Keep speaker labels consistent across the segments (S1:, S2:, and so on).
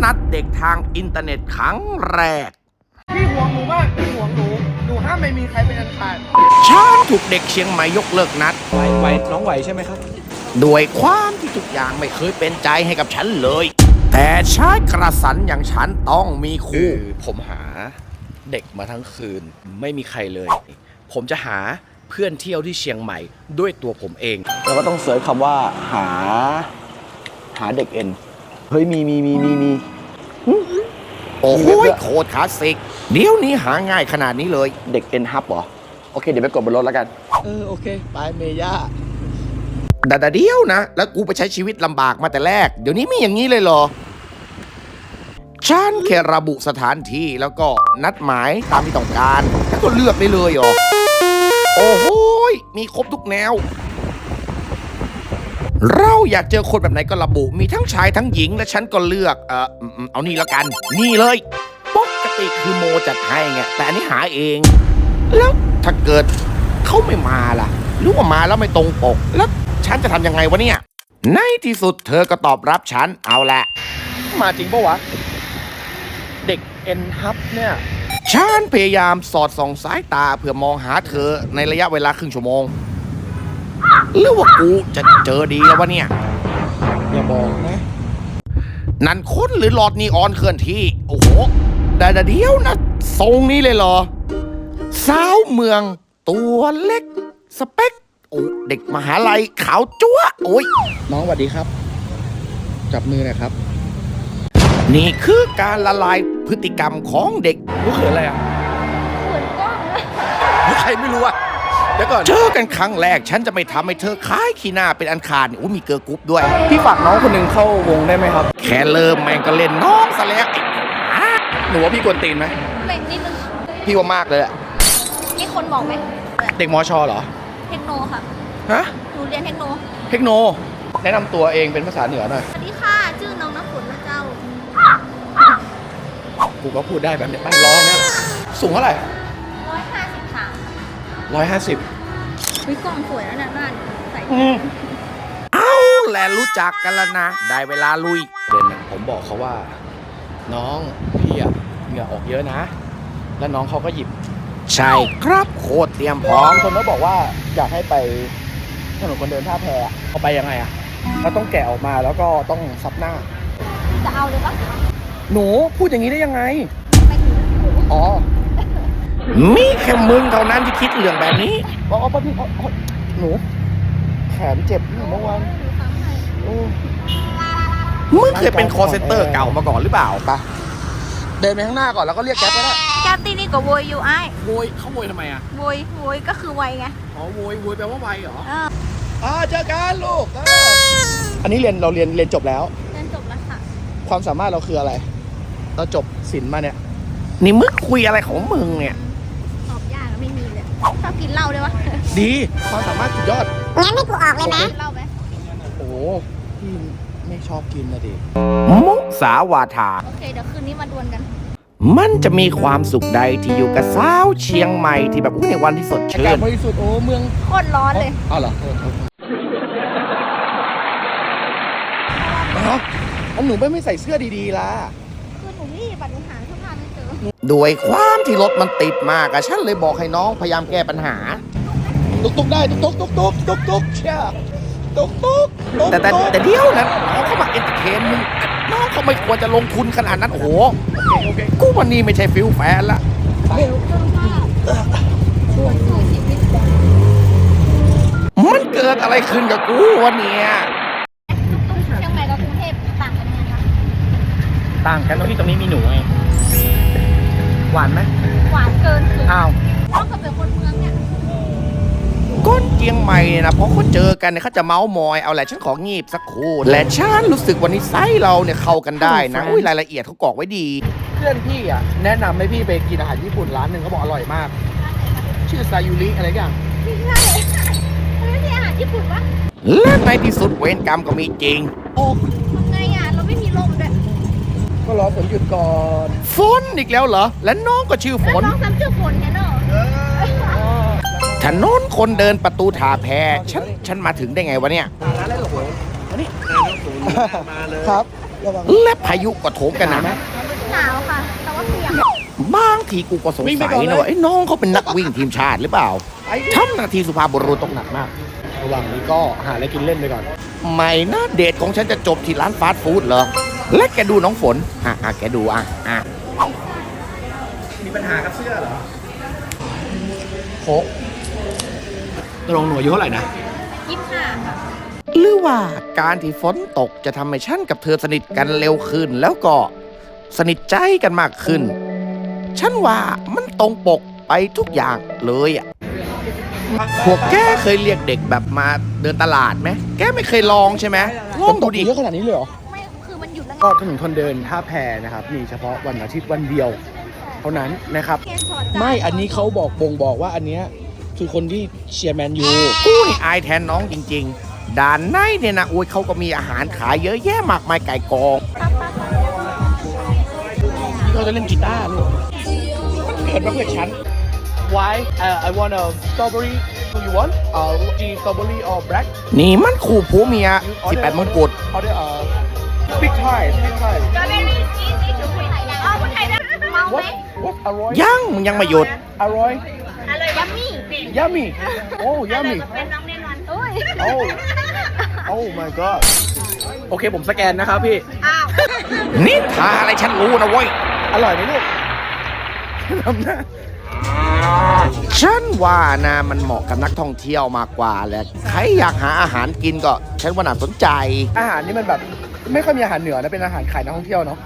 S1: นัดเด็กทางอินเทอร์เน็ตครั้งแรก
S2: พี่ห่วงหนูมากพี่ห่วงหนูห้ามไม่มีใครเป็นอันขาด
S1: ฉันถูกเด็กเชียงใหม่ยกเลิกนัด
S2: ไหวน้องไหวใช่ไหมครับ
S1: ด้วยความที่ทุกอย่างไม่เคยเป็นใจให้กับฉันเลยแต่ชายกระสันอย่างฉันต้องมีคู่
S3: ผมหาเด็กมาทั้งคืนไม่มีใครเลยผมจะหาเพื่อนเที่ยวที่เชียงใหม่ด้วยตัวผมเอง
S2: เราก็ต้องเสิร์ชคำว่าหาเด็กเอ็นเฮ้ยมี
S1: โอ้โหโคตรคลาสสิกเดี๋ยวนี้หาง่ายขนาดนี้เลย
S2: เด็กเอ็นฮับเหรอโอเคเดี๋ยวไปกดบนรถแล้วกันโอเคไปเมย่า
S1: แต่เดียวนะแล้วกูไปใช้ชีวิตลำบากมาแต่แรกเดี๋ยวนี้มีอย่างนี้เลยเหรอฉันแค่ระบุสถานที่แล้วก็นัดหมายตามที่ต้องการแล้วก็เลือกได้เลยเหรอโอ้โหมีครบทุกแนวเราอยากเจอคนแบบไหนก็ระบุมีทั้งชายทั้งหญิงและฉันก็เลือกเอานี่แล้วกันนี่เลยปกติคือโมจัดให้ไงแต่อันนี้หาเองแล้วถ้าเกิดเขาไม่มาล่ะหรือว่ามาแล้วไม่ตรงปกแล้วฉันจะทำยังไงวะเนี่ยในที่สุดเธอก็ตอบรับฉันเอาแหละ
S2: มาจริงปะวะเด็กเอ็นฮับเนี่ย
S1: ฉันพยายามสอดส่องสายตาเพื่อมองหาเธอในระยะเวลาครึ่งชั่วโมงหรือว่ากูจะเจอดีแล้ววะเนี่ย
S2: อย่าบอกนะ
S1: นั่นคนหรือหลอดนีออนเคลื่อนที่โอ้โหแต่เดียวนะทรงนี้เลยเหรอสาวเมืองตัวเล็กสเปคโอ้เด็กมหาลัยขาวจั๊วโอ้ย
S2: น้องสวัสดีครับจับมือหน่อยครับ
S1: นี่คือการละลายพฤติกรรมของเด็ก
S2: รู้เขินอะไรอ่ะ
S4: เขินกล้อง
S2: นะใครไม่รู้อ่ะเดี๋ยวก่อน
S1: เจอกันครั้งแรกฉันจะไม่ทำให้เธอคล้ายขี้หน้าเป็นอันขาดโอ้มีเกิร์ลกรุ๊ปด้วย
S2: พี่ฝากน้องคนหนึ่งเข้าวงได้ไหมครับ
S1: แค่เริ่มแม่งก็เล่นน้องซะแล้ว
S2: หนูว่าพี่กวนตีนไหม
S4: ไม่นิดนึง
S2: พี่ว่ามากเลยอะ
S4: มีคนบอกไหม
S2: เด็กมชเหรอ
S4: เทคโนค่ะ
S2: ฮะ
S4: หนูเรียนเทคโน
S2: แนะนำตัวเองเป็นภาษาเหนือหน่อย
S4: สวัสดีค่ะชื่อน้องน้ำฝนนะเจ้า
S2: กูก็พูดได้แบบนี้ไปร้องเนี่ยสูงเท่าไหร่
S4: 153วิกล้องสวยแล้วเนี่ยหน้าใส่
S1: เอาแหละรู้จักกันแล้วนะได้เวลาลุย
S2: เด่นผมบอกเขาว่าน้องพี่อะเหงื่อออกเยอะนะแล้วน้องเขาก็หยิบ
S1: ใช่ครับโคตรเตรียมพร้อม
S2: คนก็บอกว่าอยากให้ไปถนนคนเดินท่าแพเอาไปยังไงอะเราต้องแกะออกมาแล้วก็ต้องซับหน้า
S4: จะเอาเลยปะ
S2: หนูพูดอย่างนี้ได้ยังไง
S4: ไปถึง
S2: อ๋อ
S1: มีแค่มึงเท่านั้นที่คิดเรื่องแบบนี้
S2: ป้าพี่หนูแขนเจ็บเมื่อวาน
S1: มึงเคยเป็นคอเซ็นเตอร์เก่ามาก่อนหรือเปล่า
S2: ปะเดินไปข้างหน้าก่อนแล้วก็เรียกแก๊ปไปได้
S4: แก๊ปตีนี่ก็โวยอยู่ไอ้
S2: โวยเขาโวยทำไมอะ
S4: โวยก็คือไวไง
S2: อ๋อโวยแปลว่าไวเหรอเจอกันลูกอันนี้เราเรียนจบแล้ว
S4: เรียนจบแล้วค่ะ
S2: ความสามารถเราคืออะไรเราจบศิลป์มาเนี่ย
S1: นี่มึงคุยอะไรของมึงเนี่ย
S4: ตอบยากไม่มีเลยชอบกินเหล้าด้วยวะ
S2: ดีความสามารถสุดยอด
S4: งั้นไม่กูออกเลยนะเหล้าไหม
S2: โอ้พี่ไม่ชอบกินนะดิ
S1: มุสาวาทา
S4: โอเคเดี๋ยวคืนนี้มาดวลกัน
S1: มันจะมีความสุขใดที่อยู่กับสาวเชียงใหม่ที่แบบในวันที่สดชื่น
S2: อากาศบริสุทธิ์โอ้เมือง
S4: โคตรร้อนเลย
S2: อ้าวเหรอหนูไม่ใส่เสื้อดีๆล่ะ
S4: คือหนูรีบหนูหาเสื้อผ้าไม่เจอ
S1: ด้วยความที่รถมันติดมากฉันเลยบอกให้น้องพยายามแก้ปัญหา
S2: ตุกได้ตุกเชี่ยตุก
S1: แต่เดี๋ยวนะน้องเขามาเอนเตอร์เทนมึงน้องเขาไม่ควรจะลงทุนขนาดนั้นโอ้โหกูวันนี้ไม่ใช่ฟิลแฟนละมันเกิดอะไรขึ้นกับกูวันนี้
S4: เชียงใหม่กับกรุงเทพต่างกันยังไงคะ
S2: ต่างกันตรงที่ตรงนี้มีหนูไงหวานไหม
S4: หวานเกินคือ
S2: อ้าว
S4: ต้องกับเป็นคนเมืองเนี่ย
S1: ก้นเจียงใหม่เนี่ยนะพอเขาเจอกันเนี่ยเขาจะเมาส์มอยเอาแหละฉันของีบสักครู่และฉันรู้สึกวันนี้ไซส์เราเนี่ยเข้ากันได้นะรายละเอียดเขากรอกไว้ดี
S2: เพื่อนพี่อ่ะแนะนำให้พี่ไปกินอาหารญี่ปุ่นร้านหนึ่งเขาบอกอร่อยมากชื่อซายูริอะไรอย่าง
S4: ไม่ใช่ไม่ใช่อาหารญี่ปุ่นวะ
S1: และในที่สุดเวรกรรมก็มีจริง
S2: โอ้
S4: ทำไงอ่ะเราไม่มีลมด้วย
S2: ก็รอฝนหยุดก่อน
S1: ฝนอีกแล้วเหรอและน้องก็ชื่อฝน
S4: น้องซ้ำชื่อฝนไงเนาะ
S1: ถนนคนเดินประตูท่าแพฉันมาถึงได้ไงวะเนี่ย
S2: ร้านอะไรหรอมานี่ครับระวัง
S1: และพายุก็โถมกันหนัก
S4: หนาวค่ะ แต่ว่าเปียก
S1: บางทีกูก็สงสัยนะว่าไอ้น้องเขาเป็นนักวิ่งทีมชาติหรือเปล่าทำหนาทีสุภาพบุรุษตกหนักมาก
S2: ระหว่างนี้ก็หาอะไรกินเล่นไปก่อน
S1: ไม่นะเดทของฉันจะจบที่ร้านฟาสต์ฟู้ดเหรอ และแกดูน้องฝน แกดู
S3: มีปัญหากับเสื้อเหรอ
S2: โค้กตกลงหนูอายุเท่าไหร่นะ
S4: 25ค่ะ
S1: หรือว่าการที่ฝนตกจะทำให้ฉันกับเธอสนิทกันเร็วขึ้น แล้วก็สนิทใจกันมากขึ้น ฉันว่ามันตรงปกไปทุกอย่างเลยอ่ะ พวกแกเคยเรียกเด็กแบบมาเดินตลาดไหม แกไม่เคยลองใช่ไหมลอง
S2: ต
S1: ดู
S2: ก
S1: ดิ
S2: เยอะขนาดนี้เลยเหรอ
S4: ไม่ คือมันหยุดแล้ว
S2: ก็ถนนคนเดินท่าแพนะครับ มีเฉพาะวันอาทิตย์วันเดียว เท่านั้นนะครับ
S4: เกสรจ้า
S2: ไม่ อันนี้เขาบอกว่าอันเนี้ยคือคนที่เชียร์แมนยู
S1: กูนี่อายแทนน้องจริงๆ ด่านในเนี่ยนะโอ้ยเขาก็มีอาหารขายเยอะแยะมากมายไก่กอง
S2: เราจะเล่นกีตาร์ลูกมันเกิดมาเพื่อฉัน Why I want a strawberry do you want strawberry or black
S1: นี่มันคู่ผัวเมีย18มงกุฎ
S2: order big Thai big Thai
S4: เอาคนไทยได้เมาไหม
S2: what อร่อย
S1: ยังมึงยังไม่หยุด
S2: อร่อย
S4: อะไรยัมมี่
S2: yummy oh yummy
S4: เป็นน้องแน่นอนโอ้ย
S2: oh my god โอเคผมสแกนนะครับพี่
S4: อ้าว
S1: นี่ทาอะไรฉันรู้นะเว้ย
S2: อร่อยไหมลูกทำหน้า
S1: ฉันว่านะมันเหมาะกับนักท่องเที่ยวมากกว่าแหละใครอยากหาอาหารกินก็ฉันว่าน่าสนใจ
S2: อาหารนี่มันแบบไม่ค่อยมีอาหารเหนือนะเป็นอาหารขายนักท่องเที่ยวเนาะ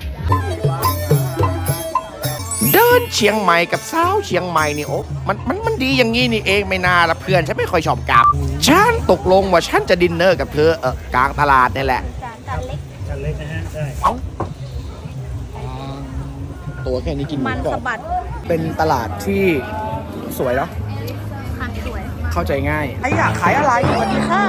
S1: เดินเชียงใหม่กับสาวเชียงใหม่นี่โอ้มันดีอย่างงี้นี่เองไม่น่าละเพื่อนฉันไม่ค่อยชอบกลับ ฉันตกลงว่าฉันจะดินเนอร์กับเธอกลางตลาดนี่แหละ
S4: จานเล็ก
S2: ตัวแค่นี้กิน
S4: มัน
S2: ก่อ
S4: สะบัด
S2: เป็นตลาดที่สวยเนาะ
S4: ค่ะสวยมาก
S2: เข้าใจง่ายไอ้อยากขายอะไรสวัสดีค่ะ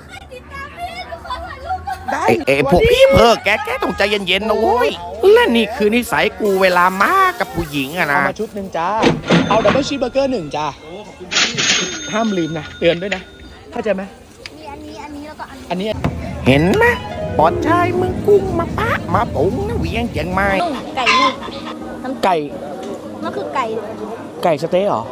S2: ได้
S1: ไอ้พวกพี่แกต้องใจเย็นๆนะโว้ยและนี่คือนิสัยกูเวลามากับผู้หญิงอะ
S2: เอา
S1: นะ
S2: มาชุดหนึ่งจ้าเอาดับเบิลชีสเบอร์เกอร์หนึ่งจ้าห้ามลืมนะเตือนด้วยนะเข้าใจไหม
S4: มีอันนี้แล้วก็
S2: อั
S4: อันนี้
S2: นนี้
S1: เห็นไหมปอดชายเมืองกุ้งมาปะมาปุ๋งนะเวียงเจียงใหม่
S4: นุ่มไก่นุ่มน้ำ
S2: ไก่
S4: มันคือไก่
S2: ไก่สเต๊ะเหรอ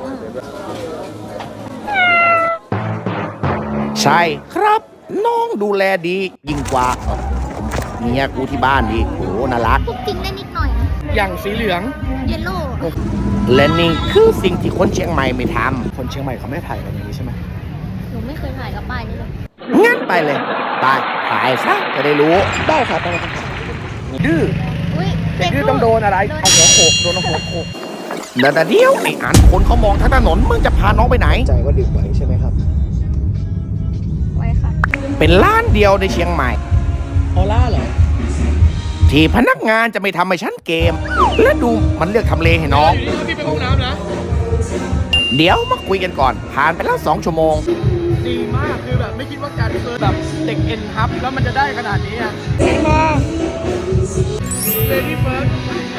S1: ใช่ครับน้องดูแลดียิ่งกว่าเมียกูที่บ้านดีโอ้น่ารัก
S4: พวกจริงได้นิดหน่อยนะ
S2: อย่างสีเหลือง
S4: เยลโล่
S1: และนี่คือสิ่งที่คนเชียงใหม่ไม่ท
S2: คนเชียงใหม่เขาไม่ถ่ายกันอย่างนี้ใช่ไหม
S4: หนูไม่เคยถ่ายกับป้ายนี้เลย
S1: ำงั้นไปเลยไปถ่ายซะจะได้รู้
S2: ได้ครับได้ครับดื้อ
S4: อุ้ย
S2: เด็กดื้อต้องโดนอะไรเอาหัวโขกโดนเอาหัวโขก
S1: เดี๋ยวไอ้อันคนเขามองทั้งถนนมึงจะพาน้องไปไหน
S2: ใจว่าดื่มไว้ใช่ไหมครับ
S4: ไว้ค่ะ
S1: เป็นร้านเดียวในเชียงใหม่
S2: ออร่าเหรอ
S1: ที่พนักงานจะไม่ทำให้ฉันเกม และดูมันเลือกทำเลให้น้อง
S2: พี่ไปห้องน้ำนะ
S1: เดี๋ยวมาคุยกันก่อน ผ่านไปแล้ว2 ชั่วโมง
S2: ดีมากคือแบบไม่คิดว่าการเฟิร์สแบบเด็กเอ็นฮับแล้วมันจะได้ขนาดนี้อ่ะเลดี้เฟิร์ส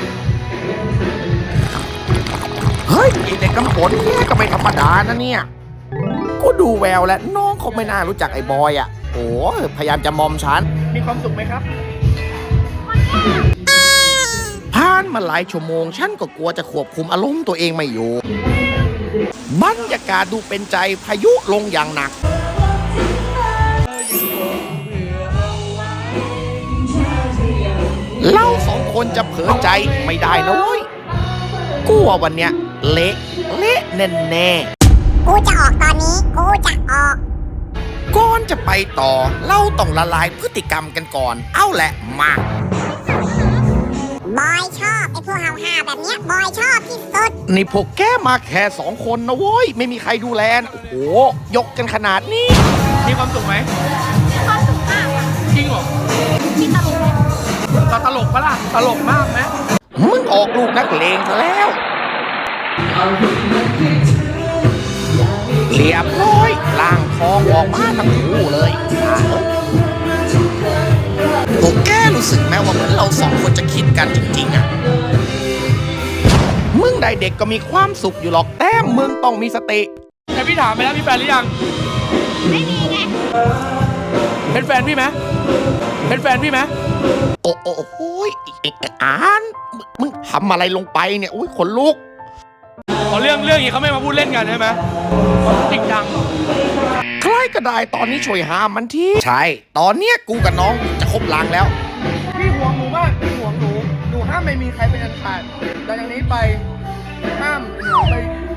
S1: เฮ้ยไอ้เด็กกำฝนเนี่ยก็ไม่ธรรมดานะเนี่ย กูดูแววแล้วน้องเขาไม่น่ารู้จักไอ้บอยอ่ะ โอ้พยายามจะมอมฉัน
S2: มีความสุขไหมครับ
S1: ผ่านมาหลายชั่วโมง ฉันก็กลัวจะควบคุมอารมณ์ตัวเองไม่อยู่ บรรยากาศดูเป็นใจพายุลงอย่างหนัก เรา2 คนจะเผลอใจไม่ได้นะเว้ยกูว่าวันเนี้ยเละแน่ๆ
S5: กูจะออกตอนนี้ กูจะออก
S1: ก่อนจะไปต่อ เราต้องละลายพฤติกรรมกันก่อน เอาแหละมา
S5: บอยชอบไอ้พวกห้าวๆแบบเนี้ยบอยชอบที่สุด
S1: นี่พวกแกมาแค่2 คนนะเว้ย ไม่มีใครดูแลนะโอ้โห ยกกันขนาดนี้
S2: มีความสุขไหม
S4: มีความสุขมากอะ
S2: จริงเหรอ
S4: มีตลกไหม
S2: ตลกปะล่ะ ตลกมากไหม
S1: มึงออกลูกนักเลงซะแล้ว เรียบร้อยล่างทองออกมาทั้งคู่เลยพวกแกรู้สึกไหมว่าเหมือนเรา2 คนจะคิดกันจริงๆอ่ะ มึงได้เด็กก็มีความสุขอยู่หรอกแต่มึงต้องมีสติ
S2: แต่พี่ถามไปแล้วมีแฟนหรือยัง
S4: ไม่มีไง
S2: เป็นแฟนพี่ไหมเป็นแฟนพี่ไหม
S1: โอ้โหไอ้อ่านมึงทำอะไรลงไปเนี่ยอุ้ยขนลุก
S2: พอเรื่องอย่างนี้เขาไม่มาพูดเล่นกันใช่ไหมเขาจริงจัง
S1: ใครก็ได้ตอนนี้ช่วยห้ามมันทีใช่ ตอนเนี้ยกูกับน้องจะคบลางแล้ว
S2: พี่ห่วงหนูมากพี่ห่วงหนูหนูห้ามไม่มีใครเป็นอันขาดแต่จากนี้ไปห้ามหนูไป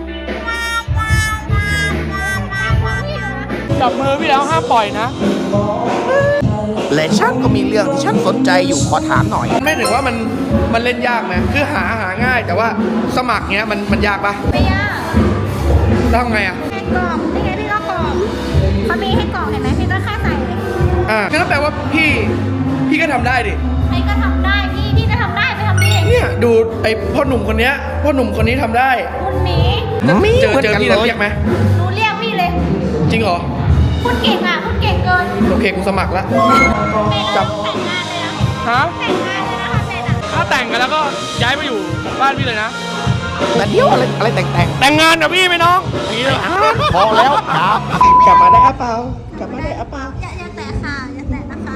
S2: จับมือพี่แล้วห้ามปล่อยนะ
S1: และฉันก็มีเรื่องที่ฉันสนใจอยู่ขอถามหน่อย
S2: ไม่ถึงว่ามันเล่นยากไหมคือหาง่ายแต่ว่าสมัครเนี้ยมันยากปะ
S4: ไม่ยาก
S2: แล้วทำไงอ่ะ
S4: ให้กรอกนี่ไงพี่ก็กรอกเขามีให้กรอกเห็นไหมพี่ก็แค่ใส่เลย
S2: งั้นแปลว่าพี่ก็ทำได้ดิ
S4: ใครก็ทำได้พี่ก็ทำได้ไปทำดิ
S2: เนี่ยดูไอ้พ่อหนุ่มคนนี้ทำได้
S4: คุณหมี
S1: มี
S2: เจอ
S1: เหมือนกัน
S2: พี่
S1: เล
S2: แล้ว
S1: ย
S2: เรียกไหม
S4: หนูเรียกพี่เลย
S2: จริงเหรอ
S4: คุณเก่งอ่ะคุณเก่งเกิน
S2: โอเคกูสมัครแล้ว
S4: ไม่เลิกแต่งงานเลยนะ
S2: ฮะ
S4: แต่งงานเลยนะคะเซนอ่ะ
S2: ถ้าแต่งกันแล้วก็ย้ายมาอยู่บ้านพี่เลยนะ
S1: แต่เดี๋ยวอะไรแต่ง
S2: แต่งงานกับพี่ไหมน้องอย่างนี้เลย
S1: พอแล้วครับ
S2: กลับมาได้อะเปล่ากลับมาได้อะเปล่า
S4: อย่าแตะค่ะอย่าแตะนะคะ